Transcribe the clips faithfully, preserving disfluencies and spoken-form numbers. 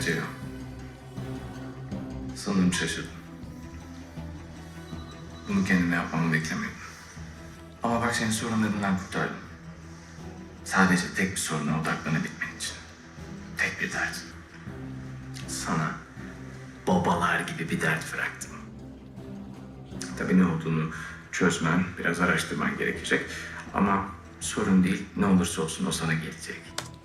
Ceyhun. Sanırım şaşırdım. Bunu kendime yapmamı beklemiyordum. Ama bak seni sorunlarından kurtardım. Sadece tek bir soruna odaklanabilmen için. Tek bir dert. Sana babalar gibi bir dert bıraktım. Tabii ne olduğunu çözmen, biraz araştırman gerekecek. Ama sorun değil, ne olursa olsun o sana gelecek.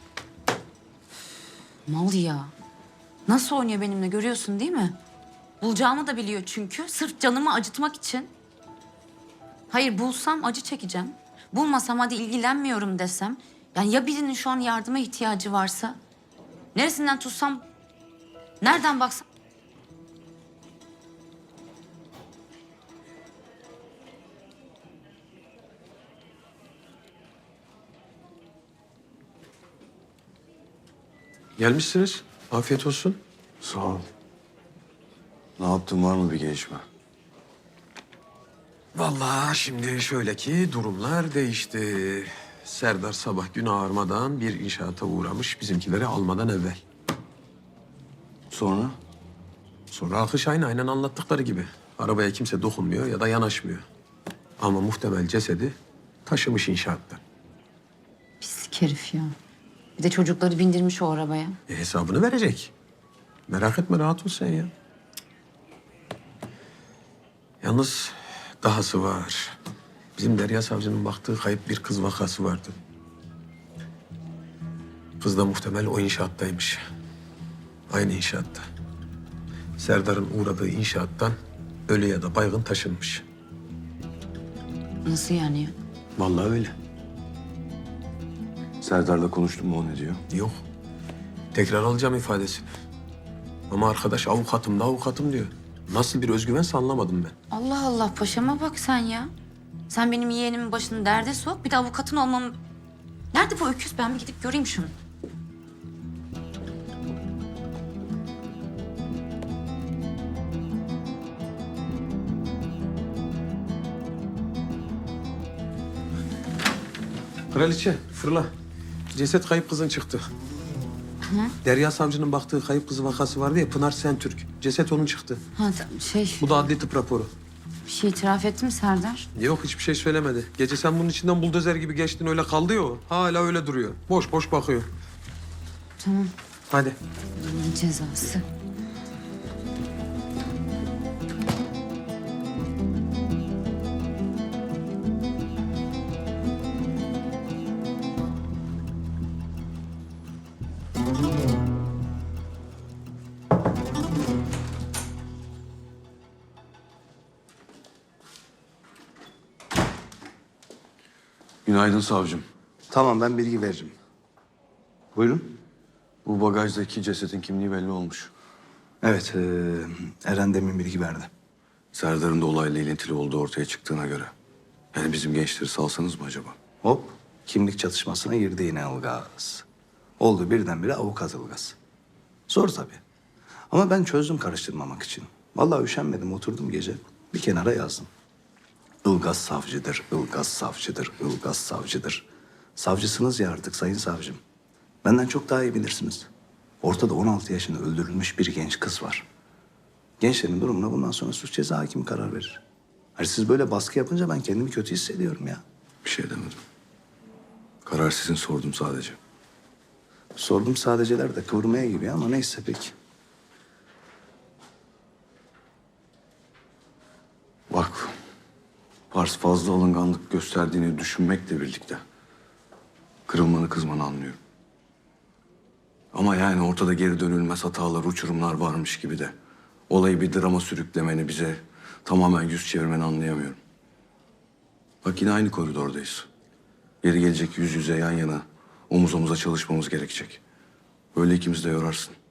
Mal ya. Nasıl oynuyor benimle görüyorsun değil mi? Bulacağımı da biliyor çünkü. Sırf canımı acıtmak için. Hayır bulsam acı çekeceğim. Bulmasam hadi ilgilenmiyorum desem. Yani ya birinin şu an yardıma ihtiyacı varsa? Neresinden tutsam? Nereden baksam? Gelmişsiniz. Afiyet olsun. Sağ ol. Ne yaptın, var mı bir gelişme? Vallahi şimdi şöyle ki durumlar değişti. Serdar sabah gün ağarmadan bir inşaata uğramış bizimkileri almadan evvel. Sonra? Sonra akış aynı aynen anlattıkları gibi. Arabaya kimse dokunmuyor ya da yanaşmıyor. Ama muhtemel cesedi taşımış inşaattan. Pislik herif ya. Bir de çocukları bindirmiş o arabaya. E, hesabını verecek. Merak etme, rahat ol sen ya. Yalnız dahası var. Bizim Derya Savcı'nın baktığı kayıp bir kız vakası vardı. Kız da muhtemel o inşaattaymış. Aynı inşaatta. Serdar'ın uğradığı inşaattan ölü ya da baygın taşınmış. Nasıl yani ya? Vallahi öyle. Serdar'la konuştun mu, o ne diyor? Yok. Tekrar alacağım ifadesini. Ama arkadaş avukatım da avukatım diyor. Nasıl bir özgüvense anlamadım ben. Allah Allah paşama bak sen ya. Sen benim yeğenimin başını derde sok. Bir de avukatın olmamı... Nerede bu öküz? Ben bir gidip göreyim şunu. Kraliçe fırla. Ceset kayıp kızın çıktı. Derya Savcı'nın baktığı kayıp kızı vakası vardı ya, Pınar Sentürk. Ceset onun çıktı. Ha ta- şey, Bu da adli tıp raporu. bir şey itiraf etti mi Serdar? Yok, hiçbir şey söylemedi. Gece sen bunun içinden buldozer gibi geçtin, öyle kaldı ya o. Hala öyle duruyor. Boş boş bakıyor. Tamam. Hadi. Bunun cezası. Günaydın savcım. Tamam, ben bilgi veririm. Buyurun. Bu bagajdaki cesetin kimliği belli olmuş. Evet, eee, Eren demin bilgi verdi. Serdar'ın da olayla ilintili olduğu ortaya çıktığına göre. Yani bizim gençleri salsanız mı acaba? Hop, kimlik çatışmasına girdi yine Ilgaz. Oldu birdenbire avukat Ilgaz. Zor tabii. Ama ben çözdüm karıştırmamak için. Vallahi üşenmedim, oturdum gece. Bir kenara yazdım. Ilgaz savcıdır, Ilgaz savcıdır, Ilgaz savcıdır. Savcısınız ya artık sayın savcım. Benden çok daha iyi bilirsiniz. Ortada on altı yaşında öldürülmüş bir genç kız var. Gençlerin durumuna bundan sonra suç ceza hakimi karar verir. Hani siz böyle baskı yapınca ben kendimi kötü hissediyorum ya. Bir şey demedim. Karar sizin, sordum sadece. Sordum sadeceler de kıvırmaya giriyor ama neyse peki. Bak, Pars fazla alınganlık gösterdiğini düşünmekle birlikte kırılmanı, kızmanı anlıyorum. Ama yani ortada geri dönülmez hatalar, uçurumlar varmış gibi de olayı bir drama sürüklemeni, bize tamamen yüz çevirmeni anlayamıyorum. Bak, yine aynı koridordayız. Yeri gelecek yüz yüze yan yana, omuz omuza çalışmamız gerekecek. Böyle ikimiz de yorarsın.